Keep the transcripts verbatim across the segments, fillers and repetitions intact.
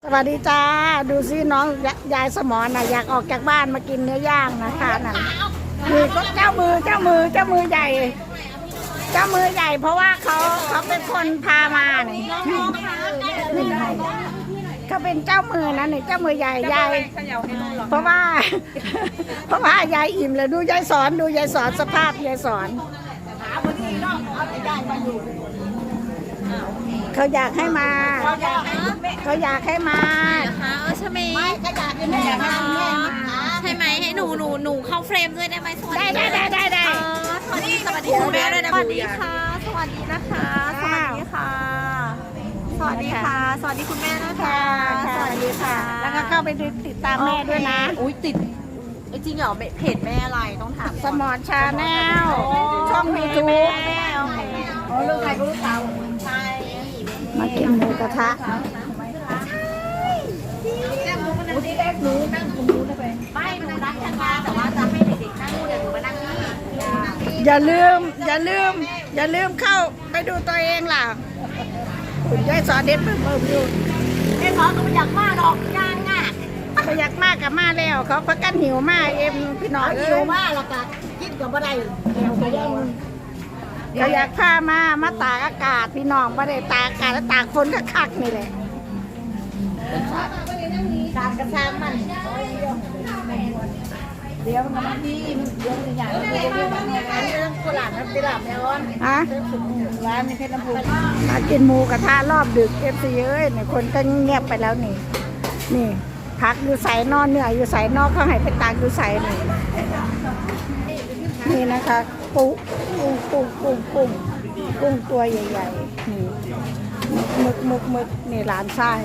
สวัสดีจ้าดูซิน้องยายสมรน่ะอยากออกจากบ้านมากินเนื้อย่างนะคะนั่นนี่ก็เจ้ามือเจ้ามือเจ้ามือใหญ่ เจ้ามือใหญ่เพราะว่าเขาเขาเป็นคนพามาเนี่ยเขาเป็นเจ้ามือนะนี่เจ้ามือใหญ่ยายเพราะว่า เพราะว่ายายอิ่มเลยดูยายสอนดูยายสอนสภาพยายสอนเขาอยากให้มาเขาอยากให้มานะคะเออใช่ไหมไม่ก็อยากให้แม่มาใช่ไหมให้หนูหนูหนูเข้าเฟรมด้วยได้ไหมสวัสดีได้ได้ได้ได้สวัสดีสวัสดีคุณแม่ด้วยนะสวัสดีค่ะสวัสดีนะคะสวัสดีค่ะสวัสดีค่ะสวัสดีคุณแม่นะคะสวัสดีค่ะแล้วก็เข้าไปติดตามแม่ด้วยนะอุ้ยติดจริงเหรอเพจแม่อะไรต้องถามสมรชาแนลช่องยูทูบโอ้ลูกใครก็ลูกสาวใช่มากินหมูกระทะไม่หนูรักฉันมาแต่ว่าจะให้เด็กๆนั่งเดี๋ยวหนูมานั่งนี่อย่าลืมอย่าลืมอย่าลืมเข้าไปดูตัวเองล่ะคุณยายสอนเด็ดเพิ่มเพิ่มอยู่ยายสอนก็ไม่อยากมากหรอกย่างง่ะเขาอยากมากกับมาแล้วเขาพักกันหิวมากเอ็มพี่น้องหิวมากแล้วก็คิดกับอะไรเขาอยากพามามาตากอากาศพี่น้องไม่ได้ตากอากาศแล้วตากฝนคักๆนี่แหละตากกระชังมันเดี๋ยวมันที่เดี๋ยวอย่างเดี๋ยวเดี๋ยวมันเนี่ยเรื่องกุหลาบน้ำกุหลาบแมวฮะร้านในเพชรลำพูนมากินหมูกระทะรอบดึกเอฟซีเอ้ยเนี่ยคนก็เงียบไปแล้วนี่นี่พักอยู่ใส่นอนเหนื่อยอยู่ใส่นอกเขาให้ไปตากอยู่ใส่นี่นี่นะคะกุ้งกุ้งกุ้งกุ้งกุ้งกุ้งตัวใหญ่ๆนี่มึกมึกมึกนี่หลานชาย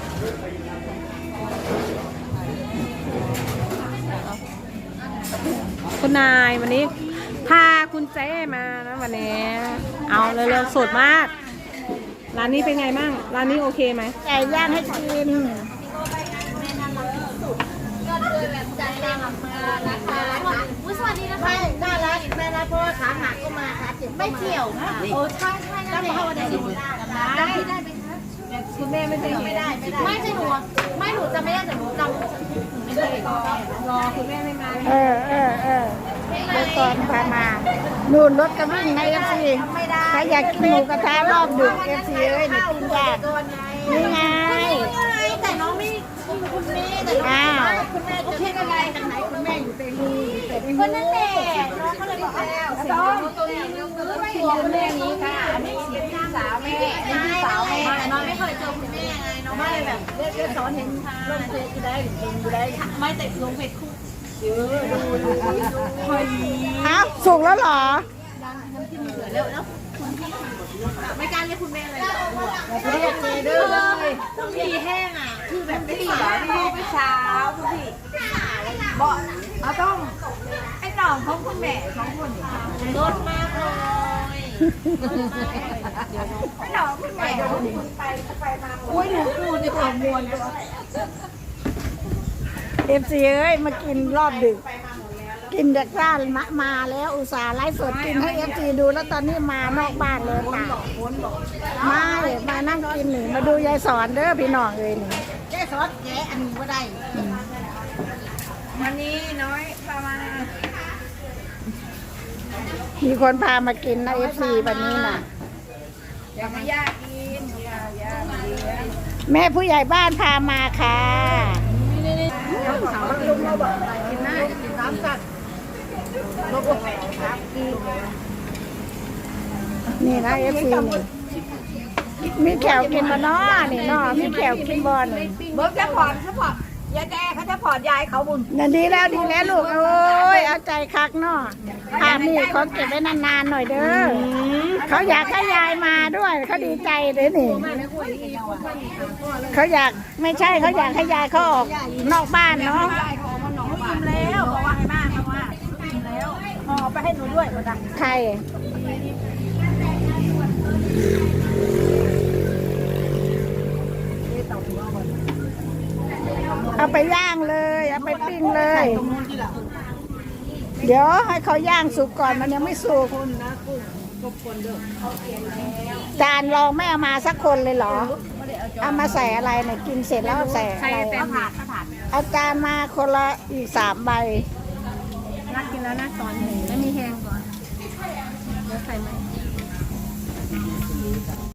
คุณนายวันนี้พาคุณเจ้มานะวันนี้เอาเร็วๆสดมากร้านนี้เป็นไงบ้างร้านนี้โอเคไหมไก่ย่างให้กินสวัสดีนะคะไม่น่ารักแม่นะเพราะว่าขาหักก็มาขาเจ็บไม่เกี่ยวค่ะโอ้ใช่ใช่แล้วเขาได้ได้ได้ไหมคะคุณแม่ไม่ได้ไม่ได้ไม่ใช่หนูไม่หนูจะไม่ได้แต่หนูจำไม่เคยรอคุณแม่ไม่มาเออเออเออไปก่อนพามานู่นรถกระวิ่งในเอฟซีใครอยากกินหมูกระทะรอบดึกเอฟซีเอ้ยนี่กินยากนี่ไงแต่น้องไม่คุณแม่แต่น้องคุณแม่จะคิดอะไรทางไหนคุณแม่อยู่เป็นคนนั่นแหละน้องเขาเลยบอกแล้วน้องตัวนี้ตัวคุณแม่นี้ค่ะนี่พี่สาวแม่พี่สาวแม่แต่น้องไม่เคยเจอคุณแม่ไงน้องไม่แบบเรียกสอนเห็นลงเฟซก็ได้ลงก็ได้ไม่แต่ลงเฟซคู่เยอะดูดูดูอ้าวสุกแล้วเหรอน้ำจิ้มเหลือแล้วแล้วคุณพี่ไม่กล้าเรียกคุณแม่เลยเรียกเลยเด้อเลยต้องพีแห้งอ่ะคือแบบไม่เหลือไม่ไม่เช้าคุณพี่บอกเอาต้องไอ้หน่องของคุณแม่ของคุณรสมากเลยไอ้หน่องคุณแม่ไปไปมาอุ้ยหนูพูดในความมวลเลยเอฟซีเอ้ยมากินรอบดึกกินจากบ้านมามาแล้วอุตส่าห์ไลฟ์สดกินให้เอฟซีดูแล้วตอนนี้มานอกบ้านเลยค่ะมาเลยมานั่งกินหนึ่งมาดูยายสอนเด้อพี่น้องเลยนี่ยายสอนแกอันนี้ก็ได้วันนี้น้อยประมาณมีคนพามากินนะเอฟซีวันนี้น่ะอยากมายากกินอยากยากแม่ผู้ใหญ่บ้านพามาค่ะลุงเราบอกกินได้กินน้ำสัตว์นี่นะเอฟซีนี่มีแขวกินบอนอนี่เนาะมีแขวกินบอลเบิร์กจะผ่อนจะผ่อนยายแกเขาจะผ่อนยายเขาบุญนั่นดีแล้วดีแล้วลูกโอ้ยเอาใจคักเนาะภาพนี่เขาเก็บไว้นานๆหน่อยเด้อเขาอยากให้ยายมาด้วยเขาดีใจเลยนี่เขาอยากไม่ใช่เขาอยากให้ยายเขาออกนอกบ้านเนาะอิ่มแล้วบอกว่าให้มากเพราะว่าอิ่มแล้วห่อไปให้หนูด้วยมาดังใครเอาไปย่างเลยเอาไปปิ้งเลยเดี๋ยวให้เขาย่างสุกก่อนมันยังไม่สุกจานรองไม่เอามาสักคนเลยเหรอไม่ได้เอาจเอามาใส่อะไรเนี่ยกินเสร็จแล้วเอาใส่อะไรเต็มผัดก็ผัดเอาจารย์มาคนละอีกสามใบนักกินแล้วนะตอนหนึ่งไม่มีแห้งก่อนเดี๋ยวใส่ไหม